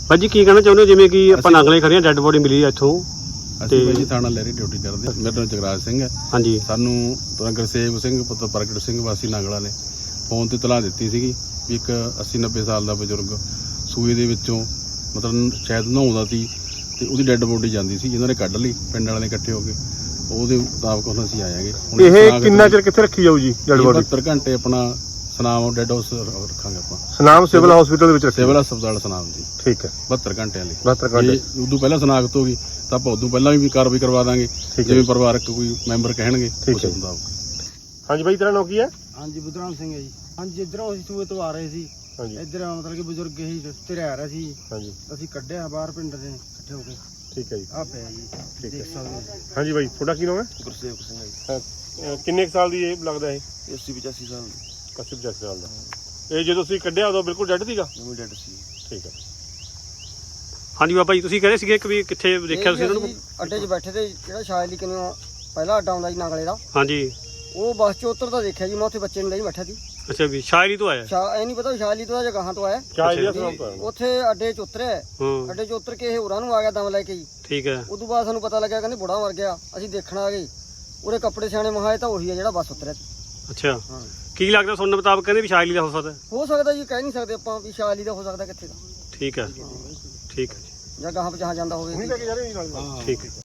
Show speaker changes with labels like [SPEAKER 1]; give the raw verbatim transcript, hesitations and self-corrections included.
[SPEAKER 1] ਭਾਜੀ ਕੀ ਕਹਿਣਾ ਚਾਹੁੰਦੇ ਹੋ ਜਿਵੇਂ ਕਿ ਆਪਾਂ ਨਾਗਲੇ ਖੜੀਆਂ ਡੈੱਡ ਬੋਡੀ ਮਿਲੀ ਇੱਥੋਂ
[SPEAKER 2] ਅਸੀਂ ਭਾਜੀ ਥਾਣਾ ਲਹਿਰੀ ਡਿਊਟੀ ਕਰਦੇ ਹਾਂ। ਮੇਰਾ ਨਾਮ ਜਗਰਾਜ ਸਿੰਘ ਹੈ।
[SPEAKER 1] ਹਾਂਜੀ
[SPEAKER 2] ਸਾਨੂੰ ਗੁਰਸੇਵ ਸਿੰਘ ਪੁੱਤਰ ਪ੍ਰਗਟ ਸਿੰਘ ਵਾਸੀ ਨਾਗਲਾ ਨੇ ਫੋਨ ਤੇ ਇਤਲਾਹ ਦਿੱਤੀ ਸੀਗੀ ਵੀ ਇੱਕ ਅੱਸੀ ਨੱਬੇ ਸਾਲ ਦਾ ਬਜ਼ੁਰਗ ਸੂਏ ਦੇ ਵਿੱਚੋਂ ਮਤਲਬ ਸ਼ਾਇਦ ਨਹਾਉਂਦਾ ਸੀ ਤੇ ਉਹਦੀ ਡੈੱਡ ਬੋਡੀ ਜਾਂਦੀ ਸੀ, ਜਿਹਨਾਂ ਨੇ ਕੱਢ ਲਈ ਪਿੰਡ ਵਾਲਿਆਂ ਨੇ ਇਕੱਠੇ ਹੋ ਕੇ। ਉਹਦੇ ਮੁਤਾਬਕ ਹੁਣ ਅਸੀਂ ਆਏਗੇ।
[SPEAKER 3] ਇਹ ਕਿੰਨਾ ਚਿਰ ਕਿੱਥੇ ਰੱਖੀ ਜਾਊ ਜੀ ਡੈਡ ਬੋਡੀ?
[SPEAKER 2] ਬਹੱਤਰ ਘੰਟੇ ਆਪਣਾ ਸਨਾਮ ਡੈਡ ਹਾਊਸ ਰੱਖਾਂਗੇ ਆਪਾਂ।
[SPEAKER 3] ਸਨਾਮ ਸਿਵਲ ਹਸਪੀਟਲ ਦੇ ਵਿੱਚ ਰੱਖੀ?
[SPEAKER 2] ਸਿਵਲ ਹਸਪਤਾਲ ਸਨਾਮ ਜੀ।
[SPEAKER 3] ਠੀਕ ਹੈ,
[SPEAKER 2] ਬਹੱਤਰ ਘੰਟਿਆਂ ਲਈ।
[SPEAKER 3] ਬਹੱਤਰ ਘੰਟੇ
[SPEAKER 2] ਉਦੋਂ ਪਹਿਲਾਂ ਸਨਾਖਤ ਹੋ ਗਈ ਤਾਂ ਆਪਾਂ ਉਦੋਂ ਪਹਿਲਾਂ ਵੀ ਕਾਰਵਾਈ ਕਰਵਾ ਦਾਂਗੇ, ਜਿਵੇਂ ਪਰਿਵਾਰਕ ਕੋਈ ਮੈਂਬਰ ਕਹਿਣਗੇ ਉਸ ਮੁਤਾਬਕ।
[SPEAKER 3] ਹਾਂਜੀ ਬਾਈ, ਤੇਰਾ ਨਾਮ ਕੀ ਹੈ?
[SPEAKER 4] ਹਾਂਜੀ ਬੁੱਧਰਾਮ ਸਿੰਘ ਹੈ ਜੀ। ਹਾਂਜੀ ਇੱਧਰੋਂ ਅਸੀਂ ਸੂਏ ਤੋਂ ਆ ਰਹੇ ਸੀ।
[SPEAKER 3] ਹਾਂਜੀ
[SPEAKER 4] ਇੱਧਰ ਮਤਲਬ ਕਿ ਬਜ਼ੁਰਗ ਹੀ ਰਸਤੇ ਰਹਿ ਰਿਹਾ ਸੀ।
[SPEAKER 3] ਹਾਂਜੀ
[SPEAKER 4] ਅਸੀਂ ਕੱਢਿਆ ਬਾਹਰ ਪਿੰਡ ਦੇ ਇਕੱਠੇ ਹੋ ਕੇ।
[SPEAKER 3] ਠੀਕ ਹੈ ਜੀ,
[SPEAKER 4] ਆ ਪਿਆ ਜੀ, ਦੇਖ ਸਕਦੇ ਹੋ।
[SPEAKER 3] ਹਾਂਜੀ ਬਾਈ, ਤੁਹਾਡਾ ਕੀ ਨਾਮ ਹੈ?
[SPEAKER 4] ਗੁਰਸੇਵਕ ਸਿੰਘ ਹੈ ਜੀ।
[SPEAKER 3] ਕਿੰਨੇ ਸਾਲ ਦੀ ਇਹ ਲੱਗਦਾ ਇਹ?
[SPEAKER 4] ਅੱਸੀ ਪਚਾਸੀ ਸਾਲ ਦੀ।
[SPEAKER 3] ਅੱਸੀ ਪਚਾਸੀ ਸਾਲ ਦਾ। ਇਹ ਜਦੋਂ ਤੁਸੀਂ ਕੱਢਿਆ ਉਦੋਂ ਬਿਲਕੁਲ ਡੈਡ ਸੀਗਾ?
[SPEAKER 4] ਜਮੀ ਡੈਡ ਸੀ।
[SPEAKER 3] ਠੀਕ ਹੈ।
[SPEAKER 1] ਹਾਂਜੀ ਬਾਬਾ ਜੀ, ਤੁਸੀਂ ਕਹਿ ਰਹੇ ਸੀਗੇ ਕਿ ਵੀ ਕਿੱਥੇ ਦੇਖਿਆ ਤੁਸੀਂ ਇਹਨਾਂ ਨੂੰ?
[SPEAKER 4] ਅੱਡੇ 'ਚ ਬੈਠੇ ਤੇ ਜਿਹੜਾ ਸ਼ਾਇਲੀ ਕਿਨੂੰ ਪਹਿਲਾ ਅੱਡਾ ਆਉਂਦਾ ਜੀ ਨਾਗਲੇ ਦਾ,
[SPEAKER 1] ਹਾਂਜੀ
[SPEAKER 4] ਉਹ ਬੱਸ 'ਚ ਉਤਰਦਾ ਦੇਖਿਆ ਜੀ। ਮੈਂ ਉੱਥੇ ਬੱਚੇ ਨੂੰ ਲਈ ਬੈਠਾ ਸੀ।
[SPEAKER 1] ਅੱਛਾ ਵੀ ਸ਼ਾਇਰੀ ਤੋਂ ਆਇਆ?
[SPEAKER 4] ਸ਼ਾ ਇਹ ਨਹੀਂ ਪਤਾ ਸ਼ਾਇਲੀ ਤੋਂ ਆ ਜਾਂ ਗਾਹਾਂ ਤੋਂ ਆਇਆ। ਉੱਥੇ ਅੱਡੇ 'ਚ ਉਤਰਿਆ।
[SPEAKER 1] ਹਾਂ
[SPEAKER 4] ਅੱਡੇ 'ਚ ਉਤਰ ਕੇ ਇਹ ਹੋਰਾਂ ਨੂੰ ਆ ਗਿਆ ਦਮ ਲੈ ਕੇ ਜੀ।
[SPEAKER 1] ਠੀਕ ਹੈ।
[SPEAKER 4] ਉਦੋਂ ਬਾਅਦ ਸਾਨੂੰ ਪਤਾ ਲੱਗਿਆ ਕਹਿੰਦੇ ਬੁੜਾ ਮਰ ਗਿਆ। ਅਸੀਂ ਦੇਖਣ ਆ ਗਏ, ਉਹਦੇ ਕੱਪੜੇ ਸਿਆਣੇ ਮਹਾਏ ਤਾਂ ਉਹੀ ਆ ਜਿਹੜਾ ਬੱਸ ਉਤਰਿਆ ਸੀ।
[SPEAKER 1] ਅੱਛਾ,
[SPEAKER 4] ਹਾਂ
[SPEAKER 1] ਕੀ ਲੱਗਦਾ ਸੁਣਨ ਮੁਤਾਬਕ ਕਹਿੰਦੇ ਵੀ ਸ਼ਾਇਲੀ ਦਾ ਹੋ ਸਕਦਾ?
[SPEAKER 4] ਹੋ ਸਕਦਾ ਜੀ, ਕਹਿ ਨਹੀਂ ਸਕਦੇ ਆਪਾਂ ਵੀ ਸ਼ਾਇਲੀ ਦਾ ਹੋ ਸਕਦਾ ਕਿੱਥੇ ਦਾ।
[SPEAKER 1] ਠੀਕ ਹੈ, ਠੀਕ ਹੈ
[SPEAKER 4] ਜਾਂ ਗਾਹਾਂ ਪਛਾਣ ਜਾਂਦਾ ਹੋਵੇ।
[SPEAKER 1] ਠੀਕ ਹੈ।